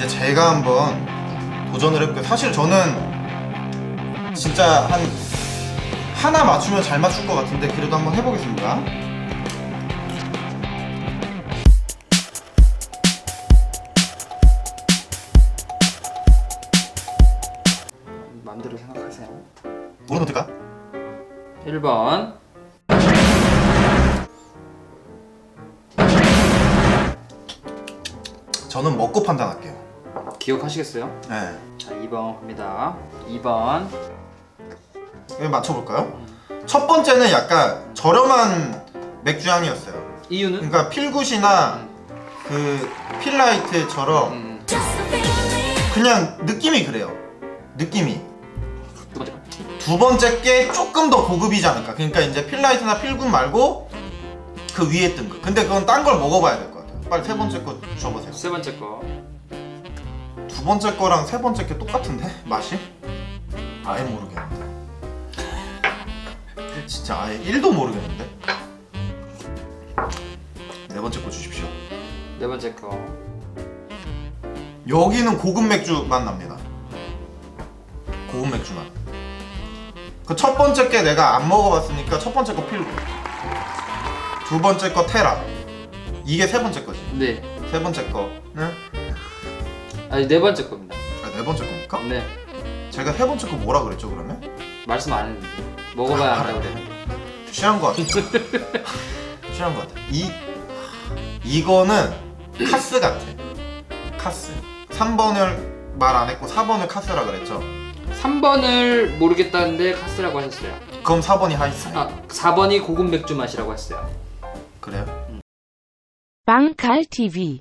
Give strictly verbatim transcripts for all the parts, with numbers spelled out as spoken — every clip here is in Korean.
이제 제가 한번 도전을 해볼게요. 사실 저는 진짜 한 하나 맞추면 잘 맞출 것 같은데 그래도 한번 해보겠습니다. 마음대로 생각하세요. 뭐로 넣을까? 일 번. 저는 먹고 판단할게요. 기억하시겠어요? 네. 자, 이 번 갑니다. 이 번. 이거 맞춰볼까요? 첫 번째는 약간 저렴한 맥주향이었어요. 이유는? 그러니까 필굿이나 그 필라이트처럼 음. 그냥 느낌이 그래요. 느낌이. 두 번째 거. 두 번째 게 조금 더 고급이지 않을까. 그러니까 이제 필라이트나 필굿 말고 그 위에 뜬 거. 근데 그건 딴 걸 먹어봐야 될 것 같아요. 빨리 세 번째 거 줘보세요. 세 번째 거. 두 번째 거랑 세 번째 게 똑같은데? 맛이? 아예 모르겠는데. 진짜 아예 일도 모르겠는데? 네 번째 거 주십시오. 네 번째 거. 여기는 고급 맥주 맛 납니다. 고급 맥주 맛. 그 첫 번째 게 내가 안 먹어봤으니까 첫 번째 거 필고, 두 번째 거 테라. 이게 세 번째 거지. 네. 세 번째 거는 아니, 네 번째 겁니다. 아, 네 번째 겁니까? 네. 제가 세 번째 거 뭐라 그랬죠 그러면? 말씀 안 했는데. 먹어봐야 한다고 그래. 취한 거 같아. 취한 거 같아. 이 이거는 카스 같아. 카스. 삼 번을 말 안 했고 사 번을 카스라 그랬죠. 삼 번을 모르겠다는데 카스라고 하셨어요. 그럼 사 번이 하이스. 아, 사 번이 고급 맥주 맛이라고 했어요. 그래요? 빵칼티비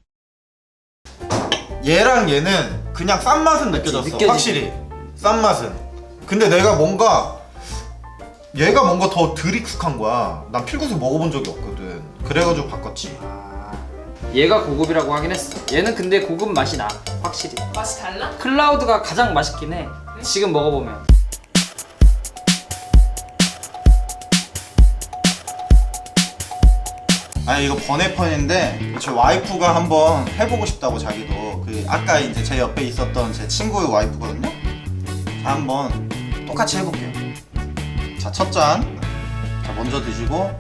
얘랑 얘는 그냥 싼 맛은 느껴졌어. 느껴지지. 확실히 싼 맛은. 근데 내가 뭔가 얘가 뭔가 더 덜 익숙한 거야. 난 필구수 먹어본 적이 없거든. 그래가지고 바꿨지. 아, 얘가 고급이라고 하긴 했어. 얘는 근데 고급 맛이 나. 확실히. 맛이 달라? 클라우드가 가장 맛있긴 해. 지금 먹어보면. 아니 이거 번외편인데 제 와이프가 한번 해보고 싶다고 자기도 그 아까 이제 제 옆에 있었던 제 친구의 와이프거든요. 자, 한번 똑같이 해볼게요. 자, 첫 잔. 자, 먼저 드시고.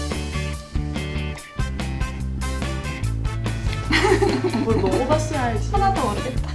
뭘 먹어봤어야 알지. 하나도 모르겠다.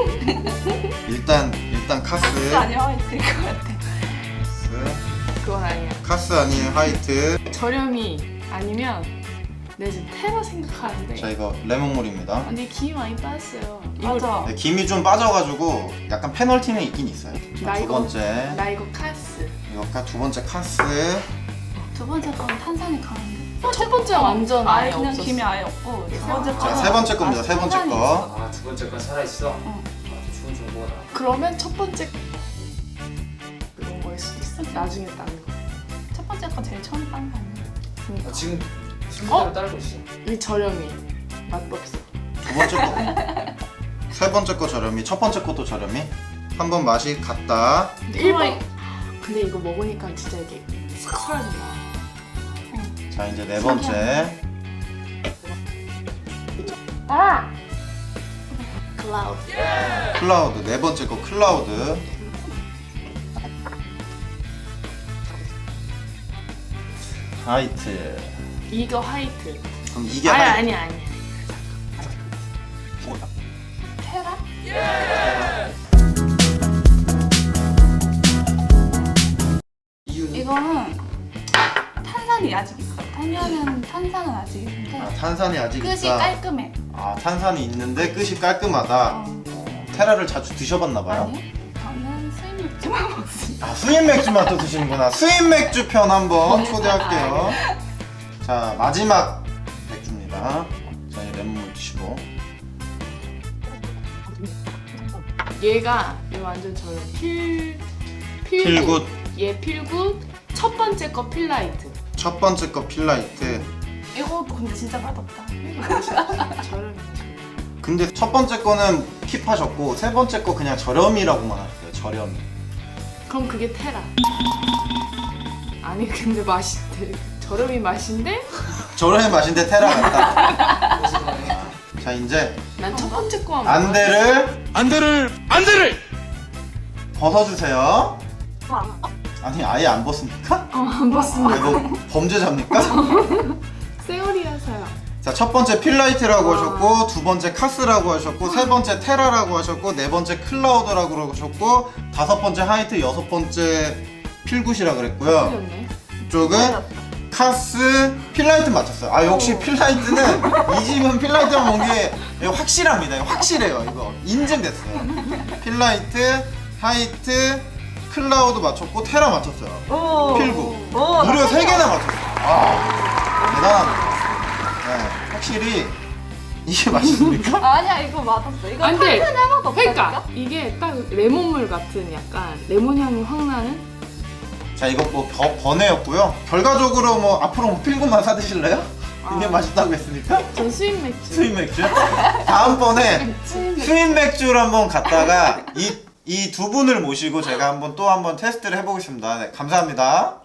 일단 일단 카스. 카스 아니야 화이트일 것 같아. 카스. 그건 아니야. 카스 아닌 화이트. 저렴이 아니면 내 지금 테라 생각하는데. 자, 이거 레몬물입니다. 근데 김이 많이 빠졌어요. 맞아. 네, 김이 좀 빠져가지고 약간 페널티는 있긴 있어요. 나 두 이거- 번째. 나 이거 카스. 이거가 두 번째 카스. 두 번째 건 탄산이 강한데. 첫 번째 완전 아예 아예 그냥 없었어. 김이 아예 없고 세 번째 자, 거. 세 번째 겁니다. 세 번째 탄산이 거. 아, 두 번째 건 살아있어? 응. 아, 좋은 정보다. 그러면 첫 번째 그런 거일 수도 있어. 나중에 따는 거. 첫 번째 거 제일 처음 딴 거 아니야? 아, 지금 순서대로 따르고 있어. 이 저렴이 맛도 없어. 두 번째 거. 세 번째 거 저렴이. 첫 번째 것도 저렴이. 한번 맛이 같다. 일 번. 근데 이거 먹으니까 진짜 이게 싹 사라진다. 자, 이제 네 번째. 아! 클라우드. 클라우드. 네 번째 거 클라우드. 화이트. 이거 화이트. 그럼 이게 아니 화이트. 아니 아니. 뭐야? 테라? 이유는? 이거는 탄산이 아직 있어. 탄산은 탄산은 아직 있는데 아, 탄산이 아직 끝이 있다. 깔끔해. 아, 탄산이 있는데 끝이 깔끔하다. 어. 어, 테라를 자주 드셔봤나 봐요. 아니? 저는 수입 맥주만 먹습니다. 아, 수입 맥주만 또 드시는구나. 수입 맥주 편 한번 초대할게요. 자, 마지막 맥주입니다. 자, 이 레몬물 드시고. 얘가 얘 완전 저렴. 필 필굿. 필굿. 얘 필굿. 첫 번째 거 필라이트. 첫 번째 거 필라이트. 이거 근데 진짜 맛없다. 저렴이. 근데 첫 번째 거는 킵하셨고 세 번째 거 그냥 저렴이라고만 하셨어요. 저렴이. 그럼 그게 테라. 아니 근데 맛이 되게 저렴이 맛인데 저렴이 맛인데 테라 같다. 자 이제 난 첫 번째 거 한번. 안대를 안대를 안대를 벗어주세요. 아니 아예 안 벗습니까? 어안 봤습니다. 아, 이거 범죄자입니까? 세월이라서요. 자, 첫 번째 필라이트라고 와. 하셨고, 두 번째 카스라고 하셨고, 세 번째 테라라고 하셨고, 네 번째 클라우드라고 하셨고, 다섯 번째 하이트, 여섯 번째 필굿이라 그랬고요. 틀렸네. 이쪽은 카스, 필라이트 맞췄어요. 아, 역시 필라이트는 이 집은 필라이트만 본 게 확실합니다. 이거 확실해요. 이거 인증됐어요. 필라이트, 하이트, 클라우드 맞췄고, 테라 맞췄어요. 오. 필구. 오, 무려 나 세 개나 맞췄어요. 아, 대단합니다. 네, 확실히 이게 맞습니까? 아니야 이거 맞았어. 이거 안 돼. 탄산이 하나도 없다니까. 그러니까 이게 딱 레몬물 같은 약간 레몬 향이 확 나는. 자, 이거 뭐 버, 번외였고요. 결과적으로 뭐 앞으로 뭐 필구만 사 드실래요? 이게 맛있다고 했으니까 전 수입 맥주. 수입 맥주. 다음번에 수입 맥주. 수입 맥주를 한번 갔다가 이 이 두 분을 모시고 제가 한번 또 한번 테스트를 해보겠습니다. 네, 감사합니다.